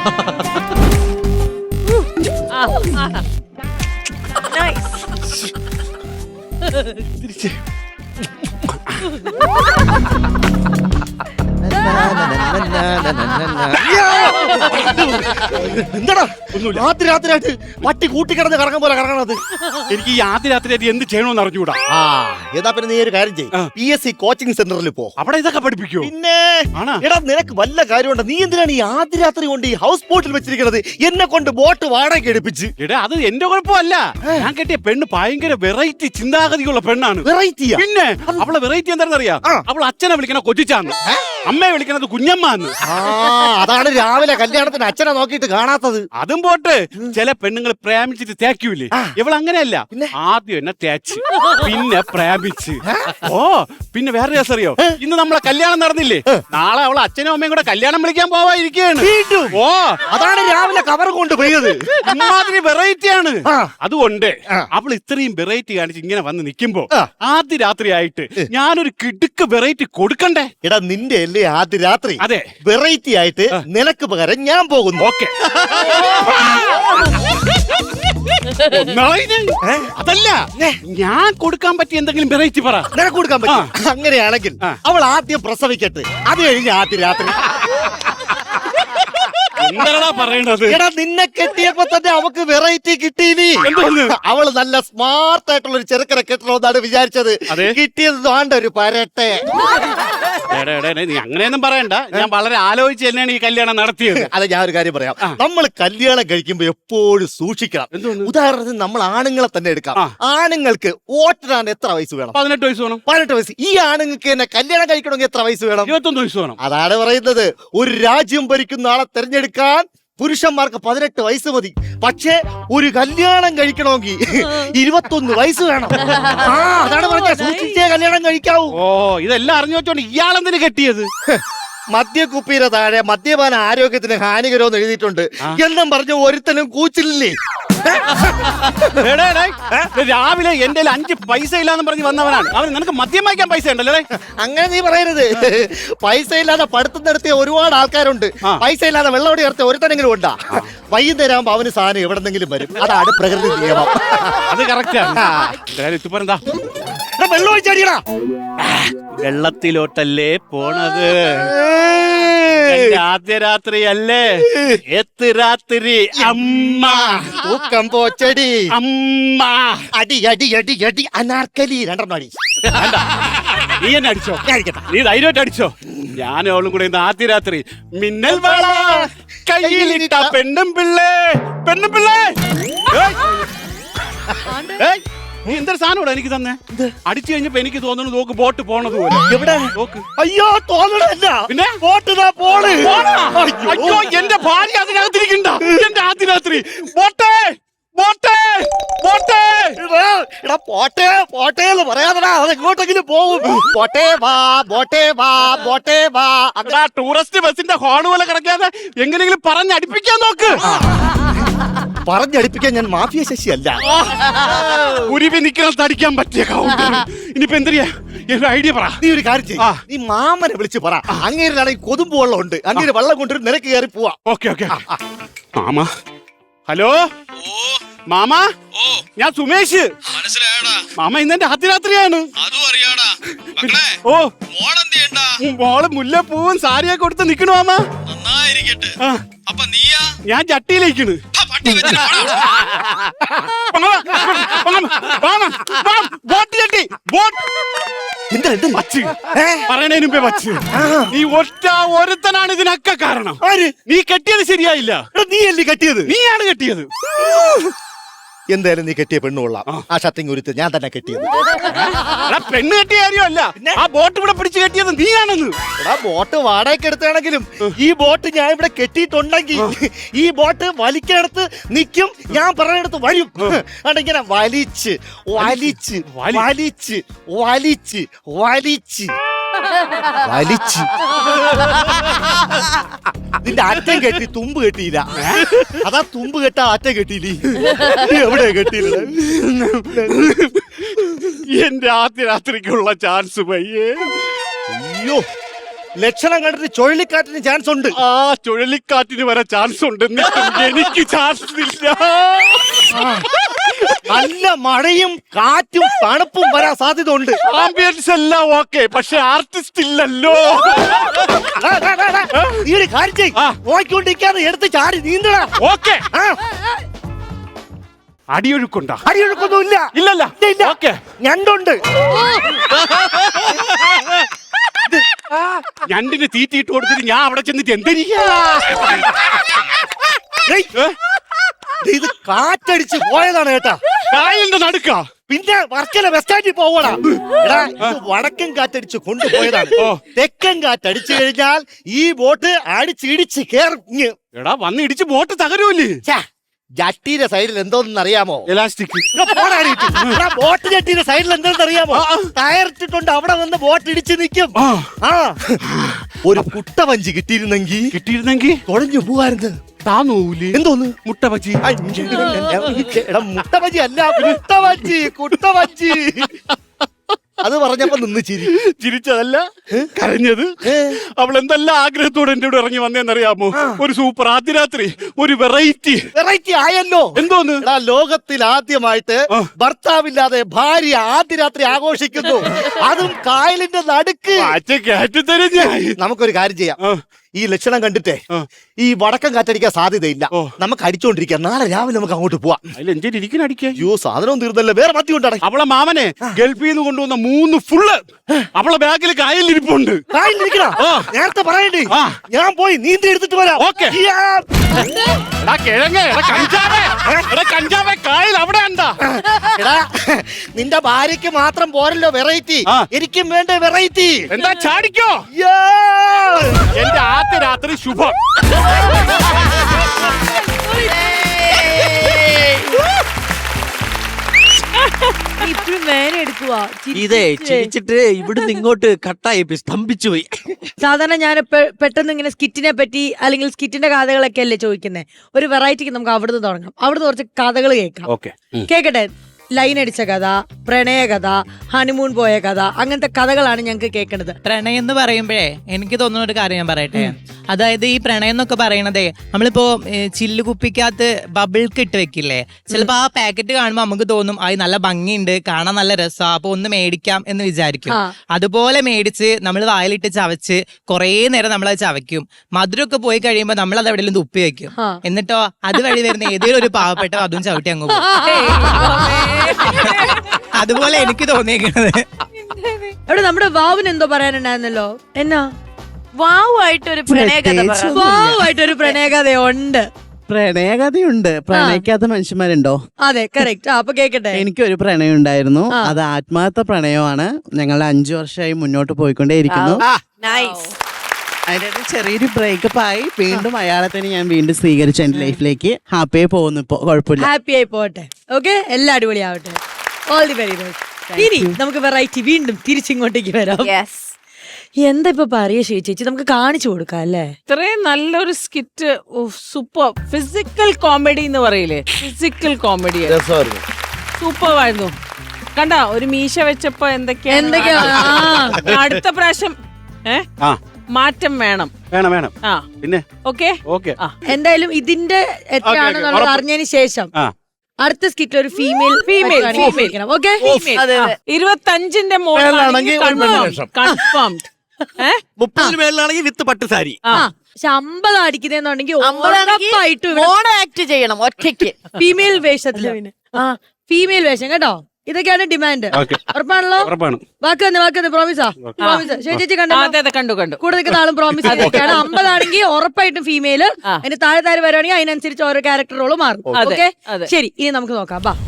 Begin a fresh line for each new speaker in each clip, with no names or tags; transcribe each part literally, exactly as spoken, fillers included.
തിരിച്ച് എന്താടാ രാത്രി രാത്രിയായിട്ട് പട്ടി കൂട്ടിക്കിടന്ന് കറങ്ങാൻ പോലെ കറങ്ങണത്?
എനിക്ക് ഈ ആദ്യ രാത്രിയായിട്ട് എന്ത് ചെയ്യണമെന്ന് അറിഞ്ഞൂടാ.
ആ ഏതാ പിന്നെ നീ ഒരു കാര്യം ചെയ്യും, പി എസ് സി കോച്ചിങ് സെന്ററിൽ പോ.
അവിടെ ഇതൊക്കെ പഠിപ്പിക്കോ?
പിന്നെ എടാ നിനക്ക് വല്ല കാര്യമുണ്ടോ? നീ എന്തിനാണ് ഈ ആദ്യ രാത്രി കൊണ്ട് ഈ ഹൗസ് ബോട്ടിൽ വെച്ചിരിക്കുന്നത്? എന്നെ കൊണ്ട് ബോട്ട് വാടക എടുപ്പിച്ച്.
എടാ അത് എന്റെ കുഴപ്പമല്ല. ഞാൻ കെട്ടിയ പെണ്ണ് ഭയങ്കര വെറൈറ്റി ചിന്താഗതിയുള്ള പെണ്ണാണ്.
വെറൈറ്റിയാ?
പിന്നെ അവളെ വെറൈറ്റി എന്താണെന്നറിയാം? അവൾ അച്ഛനെ വിളിക്കണ കൊച്ചിച്ചാന്ന്, അമ്മയെ വിളിക്കണത് കുഞ്ഞമ്മാന്ന്.
അതാണ് രാവിലെ കല്യാണത്തിന് അച്ഛനെ നോക്കിയിട്ട് കാണാത്തത്.
അതും പോട്ട് ചില പെണ്ണുങ്ങൾ പ്രേമിച്ചിട്ട് തേക്കൂലേ, ഇവൾ അങ്ങനെയല്ല. ആദ്യം എന്നെ തേച്ച് പിന്നെ പ്രേമിച്ച്. ഓ പിന്നെ വേറെ രസം അറിയോ? ഇന്ന് നമ്മളെ കല്യാണം നടന്നില്ലേ, നാളെ അവളെ അച്ഛനും അമ്മയും കൂടെ കല്യാണം വിളിക്കാൻ പോവാതിരിക്കുകയാണ്. ഓ അതാണ്
രാവിലെ കവർ കൊണ്ട് പോയത്.
ഇമാതിരി വെറൈറ്റി ആണ്. അതുകൊണ്ട് അവൾ ഇത്രയും വെറൈറ്റി കാണിച്ച് ഇങ്ങനെ വന്ന് നിൽക്കുമ്പോ ആദ്യ രാത്രി ആയിട്ട് ഞാനൊരു കിടുക്ക് വെറൈറ്റി കൊടുക്കണ്ടേ?
എടാ നിന്റെ അല്ലേ ആദ്യ രാത്രി?
അതെ,
വെറൈറ്റി ആയിട്ട് നിനക്ക് പകരം ഞാൻ പോകുന്നു.
ഓക്കെ. അതല്ല, ഞാൻ കൊടുക്കാൻ പറ്റിയ എന്തെങ്കിലും വെറൈറ്റി പറ.
നിനക്ക് കൊടുക്കാൻ പറ്റും. അങ്ങനെയാണെങ്കിൽ അവൾ ആദ്യം പ്രസവിക്കട്ടെ, അത് കഴിഞ്ഞ് ആദ്യ രാത്രി.
എന്താ പറയണത്?
എടാ നിന്നെ കെട്ടിയപ്പോ തന്നെ അവക്ക് വെറൈറ്റി കിട്ടിയില്ലേ? അവള് നല്ല സ്മാർട്ട് ആയിട്ടുള്ള ഒരു ചെറുക്കനെ കെട്ടണമെന്നാണ് വിചാരിച്ചത്. കിട്ടിയത് വേണ്ട ഒരു പരട്ടെ.
നീ അങ്ങനെയൊന്നും പറയണ്ട, ഞാൻ വളരെ ആലോചിച്ച് തന്നെയാണ് ഈ കല്യാണം നടത്തിയത്.
അതെ, ഞാൻ ഒരു കാര്യം പറയാം. നമ്മൾ കല്യാണം കഴിക്കുമ്പോ എപ്പോഴും സൂക്ഷിക്കണം. ഉദാഹരണത്തിന് നമ്മൾ ആണുങ്ങളെ തന്നെ എടുക്കാം. ആണുങ്ങൾക്ക് വോട്ടിടാൻ എത്ര വയസ്സ് വേണം?
പതിനെട്ട് വയസ്സ് വേണം.
പതിനെട്ട് വയസ്സ്. ഈ ആണുങ്ങൾക്ക് തന്നെ കല്യാണം കഴിക്കണമെങ്കിൽ എത്ര വയസ്സ് വേണം?
ഇരുപത്തൊന്ന് വയസ്സ് വേണം.
അതാണ് പറയുന്നത്, ഒരു രാജ്യം ഭരിക്കുന്ന ആളെ തെരഞ്ഞെടുക്കാൻ പുരുഷന്മാർക്ക് പതിനെട്ട് വയസ്സ് മതി. പക്ഷേ ഒരു കല്യാണം കഴിക്കണമെങ്കിൽ ഇരുപത്തൊന്ന് വയസ്സ് വേണം. ആ അതാണ് പറഞ്ഞ സൂക്ഷിച്ചേ കല്യാണം കഴിക്കാവൂ.
ഓ ഇതെല്ലാം അറിഞ്ഞു വെച്ചോണ്ട് ഇയാളെന്തിനു കെട്ടിയത്?
മദ്യക്കുപ്പിയുടെ താഴെ മദ്യപാന ആരോഗ്യത്തിന് ഹാനികരമെന്ന് എഴുതിയിട്ടുണ്ട് എന്നും പറഞ്ഞ ഒരുത്തനും കൂച്ചില്ലേ?
രാവിലെ എന്റെ അഞ്ച് പൈസ ഇല്ലാന്ന് പറഞ്ഞ് വന്നവനാണ് അവൻ. നിനക്ക് മദ്യം വാങ്ങിക്കാൻ പൈസ ഉണ്ടല്ലേ?
അങ്ങനെ നീ പറയരുത്. പൈസ ഇല്ലാതെ പഠിത്തം നടത്തിയ ഒരുപാട് ആൾക്കാരുണ്ട്. പൈസ ഇല്ലാതെ വെള്ളമോടി നടത്തിയ ഒരുത്തനെങ്കിലും ഉണ്ടാ. വൈകുന്നേരം ആകുമ്പോ അവന് സാധനം എവിടെന്നെങ്കിലും വരും. അതാണ് പ്രകൃതി നിയമം.
അത് കറക്റ്റാ.
വെള്ളം ഒഴിച്ചടിയടാ.
വെള്ളത്തിലോട്ടല്ലേ പോണത്? ആദ്യ രാത്രി അല്ലേ? എത്ത് രാത്രി അമ്മ
തൂക്കം പോച്ചടി
അമ്മ.
അടി അടി അടി അടി അനാർക്കലി രണ്ടെണ്ണം അടി.
നീ എന്നെ അടിച്ചോ? നീ ധൈര്യമായിട്ട് അടിച്ചോ. ഞാനും അവളും കൂടെ ഇന്ന് ആദ്യ രാത്രി മിന്നൽ വള കയ്യിലിട്ട പെണ്ണും പിള്ളേ പെണ്ണും പിള്ളേ. നീ എന്തൊരു സാധനം ഇവിടെ എനിക്ക് തന്നെ അടിച്ചു കഴിഞ്ഞപ്പോ എനിക്ക് തോന്നുന്നു നോക്ക് ബോട്ട് പോണത് പോലെ.
എവിടെ
നോക്ക്.
അയ്യോ തോന്നണല്ല.
പിന്നെ
ബോട്ട് പോണ്.
അയ്യോ എന്റെ ഭാര്യ അതിനകത്തിരിക്കണ്ട. എന്റെ ആദ്യ രാത്രി ബോട്ടേ ബോട്ടേ ബോട്ടേ.
എടാ പോട്ടെ പോട്ടെ എന്ന് പറയാതെടാ, അത് എങ്ങോട്ടെങ്കിലും പോവും. പോട്ടെ വാ ബോട്ടെ വാ ബോട്ടെ വാ.
അതാ ടൂറിസ്റ്റ് ബസിന്റെ ഹോൺ പോലെ കിടക്കാതെ എങ്ങനെയെങ്കിലും പറഞ്ഞടിപ്പിക്കാൻ നോക്ക്.
പറഞ്ഞടിപ്പിക്കാൻ ഞാൻ മാഫിയ ശശി അല്ല.
ഉരുവി നിൽക്കണം തടിക്കാൻ പറ്റിയ കൗണ്ടർ. ഇനിയിപ്പോ എന്തിനാ ഐഡിയ പറ.
നീ ഒരു കാര്യം ചെയ്യ്, നീ മാമനെ വിളിച്ച് പറ. അങ്ങേരാണെങ്കിൽ കൊതുമ്പ് വെള്ളം ഉണ്ട്, അങ്ങേര് വെള്ളം കൊണ്ടുവരും, നിനക്ക് കയറി പോവാ.
Okay okay. മാമ ഹലോ മാമ, ഞാൻ സുമേഷ്. മാമ ഇന്നെന്റെ അതിരാത്രിയാണ്. ഓ മോള് മുല്ലപ്പൂവും സാരിയൊക്കെ കൊടുത്ത് നിക്കണു മാമ. ഞാൻ ചട്ടിയിലേക്കണ്. പറയണതിന് മുമ്പേ വച്ച് നീ ഒറ്റ ഒരുത്തനാണ് ഇതിനൊക്കെ കാരണം. നീ കെട്ടിയത് ശരിയായില്ല.
നീ അല്ലേ കെട്ടിയത്?
നീയാണ് കെട്ടിയത്.
എന്തായാലും നീ കെട്ടിയ പെണ്ണു കൊള്ളാം. ആ ഷട്ടിങ് ഒരുത്ത് ഞാൻ തന്നെ കെട്ടിയത്.
പെണ്ണ് കെട്ടിയ കാര്യമല്ല, ആ ബോട്ട് ഇവിടെ പിടിച്ച് കെട്ടിയത് നീയാണെന്ന്.
എടാ ബോട്ട് വാടകയ്ക്ക് എടുത്താണെങ്കിലും ഈ ബോട്ട് ഞാൻ ഇവിടെ കെട്ടിയിട്ടുണ്ടെങ്കിൽ ഈ ബോട്ട് വലിക്കടുത്ത് നിൽക്കും, ഞാൻ പറയുന്നിടത്ത് വരും. അടിങ്ങനെ വലിച്ച് വലിച്ച് വലിച്ച് വലിച്ച് വലിച്ച് വലിച്ച് നിന്റെ അറ്റം കെട്ടി തുമ്പ് കെട്ടിയില്ല. അതാ തുമ്പ് കെട്ടാ അറ്റം കെട്ടിയില്ലേ? എവിടെ കെട്ടിയില്ല?
എന്റെ ആദ്യ രാത്രിക്കുള്ള ചാൻസ് പയ്യേ.
അയ്യോ ലക്ഷണം കണ്ടിട്ട് ചുഴലിക്കാറ്റിന് ചാൻസ് ഉണ്ട്.
ആ ചുഴലിക്കാറ്റിന് വരെ ചാൻസ് ഉണ്ട്, എന്നിട്ടും എനിക്ക് ചാൻസ് ഇല്ല.
നല്ല മഴയും കാറ്റും തണുപ്പും വരാൻ സാധ്യത ഉണ്ട്.
ആംബിയൻസ് എല്ലാം ഓക്കെ, പക്ഷെ ആർട്ടിസ്റ്റ് ഇല്ലല്ലോ.
നീ ഒരു കാര്യം ചെയ്യ്,
ആ.
നോക്കിക്കൊണ്ടിരിക്കാതെ എടുത്ത് ചാടി നീന്തടാ.
ഓക്കെ.
ആ,
അടിയൊഴുക്കുണ്ടോ?
അടിയൊഴുക്കൊന്നുമില്ല.
ഇല്ലല്ല.
ഇല്ല.
ഓക്കെ.
ഞണ്ടുണ്ട്.
ഞണ്ടിന് തീറ്റിയിട്ട് കൊടുത്തിട്ട് ഞാൻ അവിടെ ചെന്നിട്ട് എന്തിരിക്കാ?
ഏയ്, ഇത് കാറ്റടിച്ച് പോയതാണ് കേട്ടാ.
കായലിന്റെ നടുക്കാ.
പിന്നെ വർക്കല ബസ് സ്റ്റാൻഡിൽ പോവടാ. എടാ, ഇത് വടക്കൻ കാറ്റടിച്ച് കൊണ്ടുപോയതാണ്.
ഓ.
തെക്കൻ കാറ്റടിച്ചു കഴിഞ്ഞാൽ ഈ ബോട്ട് അടിച്ചിടിച്ച് കേറിഞ്ഞ്.
എടാ വന്ന് ഇടിച്ച് ബോട്ട് തകരൂല്ലേ?
ജട്ടിയുടെ സൈഡിൽ എന്തോന്ന് അറിയാമോ?
എലാസ്റ്റിക്.
ബോട്ട് ജട്ടിയുടെ സൈഡിൽ എന്താണെന്ന് അറിയാമോ? ടയറിട്ടിട്ടുണ്ട്, അവിടെ വന്ന് ബോട്ട് ഇടിച്ച് നിൽക്കും. ആ, ഒരു കുട്ടവഞ്ചി കിട്ടിയിരുന്നെങ്കിൽ
കിട്ടിയിരുന്നെങ്കിൽ
തുഴഞ്ഞു പോവായിരുന്നു.
താന്നൂല്.
എന്തോന്ന്?
മുട്ടബജി.
എടാ, മുട്ടവഞ്ചി അല്ല, കുട്ടവഞ്ചി. കുട്ടവഞ്ചി അത് പറഞ്ഞപ്പോ നിന്ന് ചിരി.
ചിരിച്ചതല്ല, കരഞ്ഞത്. അവൾ എന്തെല്ലാം ആഗ്രഹത്തോടെ എന്റെ കൂടെ ഇറങ്ങി വന്നേന്നറിയാമോ? ഒരു സൂപ്പർ ആദ്യ രാത്രി, ഒരു വെറൈറ്റി.
വെറൈറ്റി ആയല്ലോ.
എന്തോന്ന്?
എടാ, ലോകത്തിൽ ആദ്യമായിട്ട് ഭർത്താവില്ലാതെ ഭാര്യ ആദ്യ രാത്രി ആഘോഷിക്കുന്നു, അതും കായലിന്റെ നടുക്ക്. നമുക്കൊരു കാര്യം ചെയ്യാം, ഈ ലക്ഷണം കണ്ടിട്ടേ ഈ വടക്കം കാറ്റടിക്കാൻ സാധ്യതയില്ല. നമുക്ക് അടിച്ചോണ്ടിരിക്കാം, നാളെ രാവിലെ നമുക്ക് അങ്ങോട്ട് പോവാം. അയ്യോ, സാധനവും തീർന്നല്ലേ, വേറെ മത്തി കൊണ്ടാണ്.
അവളെ മാമനെ ഗൾഫിൽ നിന്ന് കൊണ്ടുവന്ന മൂന്ന് ഫുള്ള് അവളെ ബാഗിൽ കായലിരിപ്പുണ്ട്.
കായലിരിക്കണ നേരത്തെ പറയണ്ടേ? ഞാൻ പോയി നീന്തി എടുത്തിട്ട് വരാം.
ഓക്കെ. കായൽ അവിടെ എന്താ?
എടാ, നിന്റെ ഭാര്യക്ക് മാത്രം പോരല്ലോ വെറൈറ്റി, എനിക്കും വേണ്ട വെറൈറ്റി.
എന്താ ചാടിക്കോ? എന്റെ ആദ്യ രാത്രി ശുഭം.
ഇതേ ചിരിച്ചിട്ട് ഇവിടുന്ന് ഇങ്ങോട്ട് കട്ടായി പോയി, സ്തംഭിച്ചു പോയി.
സാധാരണ ഞാൻ പെട്ടെന്ന് ഇങ്ങനെ സ്കിറ്റിനെ പറ്റി അല്ലെങ്കിൽ സ്കിറ്റിന്റെ കഥകളൊക്കെ അല്ലേ ചോദിക്കുന്നത്. ഒരു വെറൈറ്റിക്ക് നമുക്ക് അവിടുന്ന് തുടങ്ങാം. അവിടുന്ന് കുറച്ച് കഥകൾ കേൾക്കാം. കേക്കട്ടെ? ലൈൻ അടിച്ച കഥ, പ്രണയ കഥ, ഹണിമൂൺ പോയ കഥ, അങ്ങനത്തെ കഥകളാണ് ഞങ്ങൾക്ക് കേൾക്കണത്.
പ്രണയം എന്ന് പറയുമ്പോഴേ എനിക്ക് തോന്നുന്ന ഒരു കാര്യം ഞാൻ പറയട്ടെ. അതായത് ഈ പ്രണയം എന്നൊക്കെ പറയണതേ, നമ്മളിപ്പോ ചില്ല് കുപ്പിക്കകത്ത് ബബിൾക്ക് ഇട്ട് വെക്കില്ലേ, ചിലപ്പോ ആ പാക്കറ്റ് കാണുമ്പോ നമുക്ക് തോന്നും അത് നല്ല ഭംഗിയുണ്ട്, കാണാൻ നല്ല രസാ, അപ്പൊ ഒന്ന് മേടിക്കാം എന്ന് വിചാരിക്കും. അതുപോലെ മേടിച്ച് നമ്മൾ വായിലിട്ട് ചവച്ച് കുറേ നേരം നമ്മൾ അത് ചവയ്ക്കും. മധുരമൊക്കെ പോയി കഴിയുമ്പോ നമ്മൾ അത് എവിടെയെങ്കിലും തുപ്പി വെക്കും. എന്നിട്ടോ അതുവഴി വരുന്ന ഏതെങ്കിലും ഒരു പാവപ്പെട്ട അതും ചവിട്ടി അങ്ങ് പോകും. അതുപോലെ എനിക്ക് തോന്നിയേക്കുന്നത്.
അവിടെ നമ്മുടെ വാവിന് എന്തോ പറയാനുണ്ടായിരുന്നല്ലോ. എന്നാ
വാവുമായിട്ടൊരു പ്രണയകഥ?
വാവുമായിട്ടൊരു പ്രണയകഥ ഉണ്ട്.
പ്രണയകഥയുണ്ട്. പ്രണയിക്കാത്ത മനുഷ്യന്മാരുണ്ടോ?
അതെ, കറക്റ്റ്. അപ്പൊ കേക്കട്ടെ.
എനിക്കൊരു പ്രണയം ഉണ്ടായിരുന്നു. അത് ആത്മാർത്ഥ പ്രണയമാണ്. ഞങ്ങൾ അഞ്ചു വർഷമായി മുന്നോട്ട് പോയിക്കൊണ്ടേയിരിക്കുന്നു. അതിന്റെ ചെറിയൊരു ബ്രേക്കപ്പ് ആയി, വീണ്ടും അയാളെ തന്നെ ഞാൻ വീണ്ടും സ്വീകരിച്ചു എന്റെ ലൈഫിലേക്ക്. ഹാപ്പിയായി പോകുന്നു ഇപ്പൊ, കുഴപ്പമില്ല.
ഹാപ്പി ആയി പോട്ടെ. ഓക്കെ, എല്ലാം അടിപൊളിയാവട്ടെ. All the very best. ഇനി നമുക്ക് വെറൈറ്റി വീണ്ടും തിരിച്ചിങ്ങോട്ടേക്ക് വരാം. എന്താ ഇപ്പൊ പറയാ ചേച്ചി, നമുക്ക് കാണിച്ചു കൊടുക്കാം അല്ലേ?
ഇത്രയും നല്ലൊരു സ്കിറ്റ്, സൂപ്പർ ഫിസിക്കൽ കോമഡി എന്ന് പറയില്ലേ, ഫിസിക്കൽ കോമഡി സൂപ്പർ ആയിരുന്നു. കണ്ട, ഒരു മീശ വെച്ചപ്പോ എന്തൊക്കെയാ
എന്തൊക്കെയാ
അടുത്ത പ്രാവശ്യം ഏഹ് മാറ്റം വേണം
വേണം വേണം.
ആ
പിന്നെ
ഓക്കെ
ഓക്കെ.
എന്തായാലും ഇതിന്റെ എത്രയാണെന്നുള്ളത് അറിഞ്ഞതിന് ശേഷം അടുത്ത സ്കിറ്റിൽ ഒരു ഫീമെയിൽ
ഫീമെയിൽ
ഓക്കെ.
ഇരുപത്തഞ്ചിന്റെ മോളിലാണെങ്കിൽ കൺഫേംഡ്.
മുപ്പതിന് മേളിലാണെങ്കിൽ വിത്ത് പട്ടുസാരി.
പക്ഷെ അമ്പത് അടിക്കുന്നുണ്ടെങ്കിൽ ഉറപ്പായിട്ടും
ആക്ട് ചെയ്യണം ഒറ്റയ്ക്ക്
ഫീമെയിൽ വേഷത്തില്. ആ, ഫീമെയിൽ വേഷം കേട്ടോ. ഇതൊക്കെയാണ് ഡിമാൻഡ്. ഉറപ്പാണല്ലോ? വാക്ക് തന്നെ, വാക്ക് തന്നെ. പ്രോമിസാ? പ്രോമിസ്. ചേച്ചി കണ്ടു
കണ്ടു
കൂടെ നിൽക്കുന്ന ആളും പ്രോമിസ് ചെയ്തൊക്കെയാണ്. അമ്പതാണെങ്കിൽ ഉറപ്പായിട്ടും ഫീമെയിൽ. അതിന് താഴെ താഴെ വരുവാണെങ്കിൽ അതിനനുസരിച്ച് ഓരോ ക്യാരക്ടർ റോള് മാറും. ഓക്കെ, ശരി. ഇനി നമുക്ക് നോക്കാം. ബാ.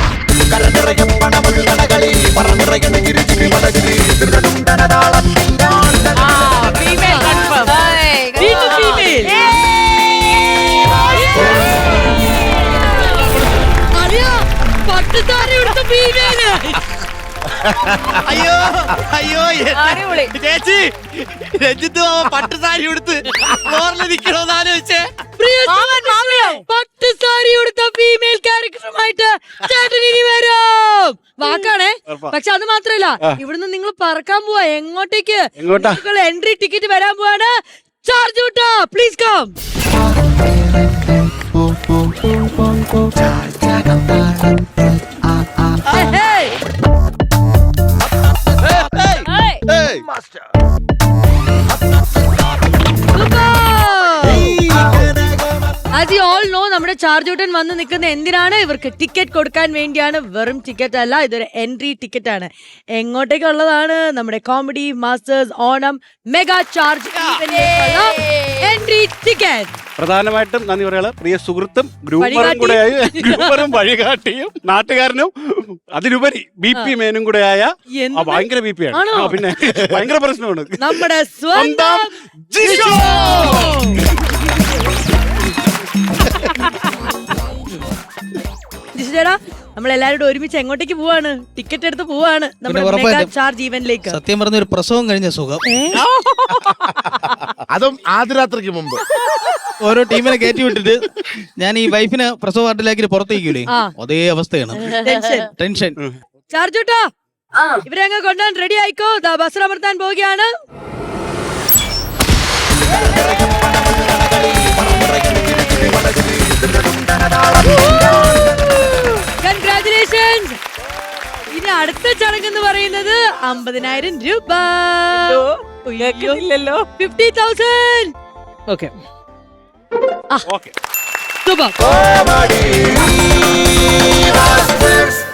അയ്യോ അയ്യോ ചേച്ചി, രഞ്ജിത്ത് പട്ടുസാരി ഉടുത്ത് ഫ്ലോറിലിരിക്കണോന്ന് ആലോചിച്ചേ.
പട്ടുസാരി ഉടുത്ത ഫീമെയിൽ ക്യാരക്ടറുമായിട്ട് ചേട്ടൻ ഇനി വരും. വാക്കാണേ, പക്ഷെ അത് മാത്രല്ല ഇവിടുന്ന് നിങ്ങൾ പറക്കാൻ പോവാ എങ്ങോട്ടേക്ക്?
എങ്ങോട്ടാ?
എൻട്രി ടിക്കറ്റ് വരാൻ പോവാണ്. ചാർജ് വിട്ടോ, please come. As you all know, നമ്മുടെ ചാർജ് ഊട്ടൻ വന്ന് നിൽക്കുന്ന എന്തിനാണ്? ഇവർക്ക് ടിക്കറ്റ് കൊടുക്കാൻ വേണ്ടിയാണ്. വെറും ടിക്കറ്റ് അല്ല, ഇതൊരു എൻട്രി ടിക്കറ്റ് ആണ്. എങ്ങോട്ടേക്കുള്ളതാണ്? നമ്മുടെ comedy masters Onam mega charge entry ticket.
പ്രധാനമായിട്ടും നന്ദി പറയാള് പ്രിയ സുഹൃത്തും ഗ്രൂപ്പറും കൂടെയായി, ഗ്രൂപ്പറും വഴികാട്ടിയും നാട്ടുകാരനും അതിലുപരി ബി പി മേനും കൂടെയായ ഭയങ്കര ബി പി ആണ്. പിന്നെ ഭയങ്കര പ്രശ്നമാണ്
നമ്മുടെ സ്വന്തം
ജിഷോ.
ചേട്ടാ, നമ്മൾ എല്ലാവരും ഒരുമിച്ച് എങ്ങോട്ടേക്ക് പോവാണ്? ടിക്കറ്റ് എടുത്ത് പോവാണ് നമ്മുടെ മെഗാ ചാർജ് ഈവന്റിലേക്ക്.
സത്യം പറഞ്ഞ ഒരു പ്രസവം കഴിഞ്ഞ സുഖം.
അതും ആദ്യരാത്രിക്ക് മുമ്പ്
ഓരോ ടീമിനെ കയറ്റി വിട്ടിട്ട് ഞാൻ ഈ വൈഫിനെ പ്രസവ വാർഡിലേക്ക് പുറത്തേക്കൂലേ, അതേ അവസ്ഥയാണ്. ടെൻഷൻ.
ചാർജ് ഊട്ടാ, ഇവരെ അങ്ങ് കൊണ്ടുപോകാൻ റെഡി ആയിക്കോ. ബസ് അമർത്താൻ പോവുകയാണ്. കൺഗ്രാറ്റുലേഷൻസ്. ഇനി അടുത്ത ചടങ്ങ് എന്ന് പറയുന്നത് അമ്പതിനായിരം രൂപ.
ഇല്ലല്ലോ.
Fifty thousand.
Okay
super.